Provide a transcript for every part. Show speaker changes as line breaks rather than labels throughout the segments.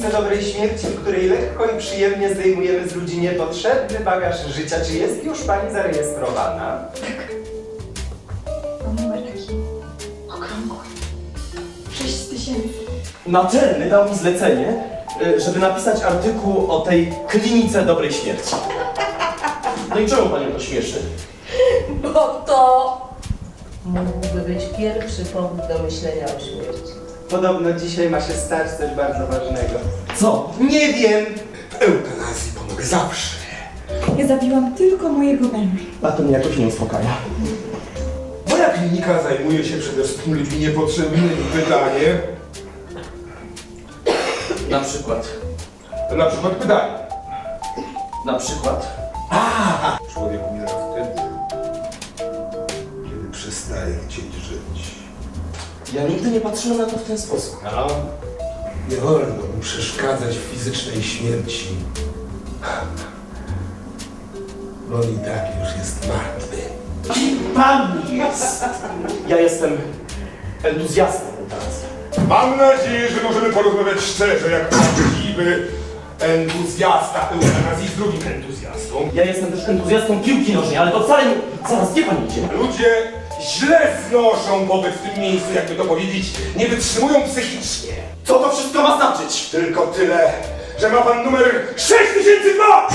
klinice dobrej śmierci, w której lekko i przyjemnie zdejmujemy z ludzi niepotrzebny bagaż życia. Czy jest już pani zarejestrowana?
Tak. Mam numer taki okrągły. 6000.
Naczelny dał mi zlecenie, żeby napisać artykuł o tej klinice dobrej śmierci. No i czemu panią to śmieszy?
Bo to mógłby być pierwszy powód do myślenia o śmierci.
Podobno dzisiaj ma się stać coś bardzo ważnego.
Co?
Nie wiem!
W eutanazji pomogę zawsze.
Ja zabiłam tylko mojego męża.
A to mnie jakoś nie uspokaja.
Moja klinika zajmuje się przede wszystkim ludźmi niepotrzebnymi. Pytanie.
Na przykład.
Na przykład pytanie.
Na przykład.
Człowiek umiera wtedy, kiedy przestaje chcieć żyć.
Ja nigdy nie patrzyłem na to w ten sposób.
No, nie wolno mu przeszkadzać w fizycznej śmierci. Bo on i tak już jest martwy.
Kim pan jest? Ja jestem entuzjastą eutanazji.
Mam nadzieję, że możemy porozmawiać szczerze, jak prawdziwy entuzjasta eutanazji z drugim entuzjastą.
Ja jestem też entuzjastą piłki nożnej, ale to wcale nie... Zaraz, gdzie pan idzie?
Ludzie źle znoszą pobyt w tym miejscu, jakby to powiedzieć, nie wytrzymują psychicznie.
Co to wszystko ma znaczyć?
Tylko tyle, że ma pan numer 6002!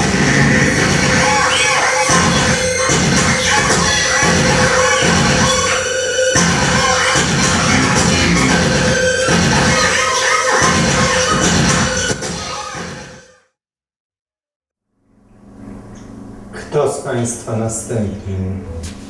Kto z państwa następnym?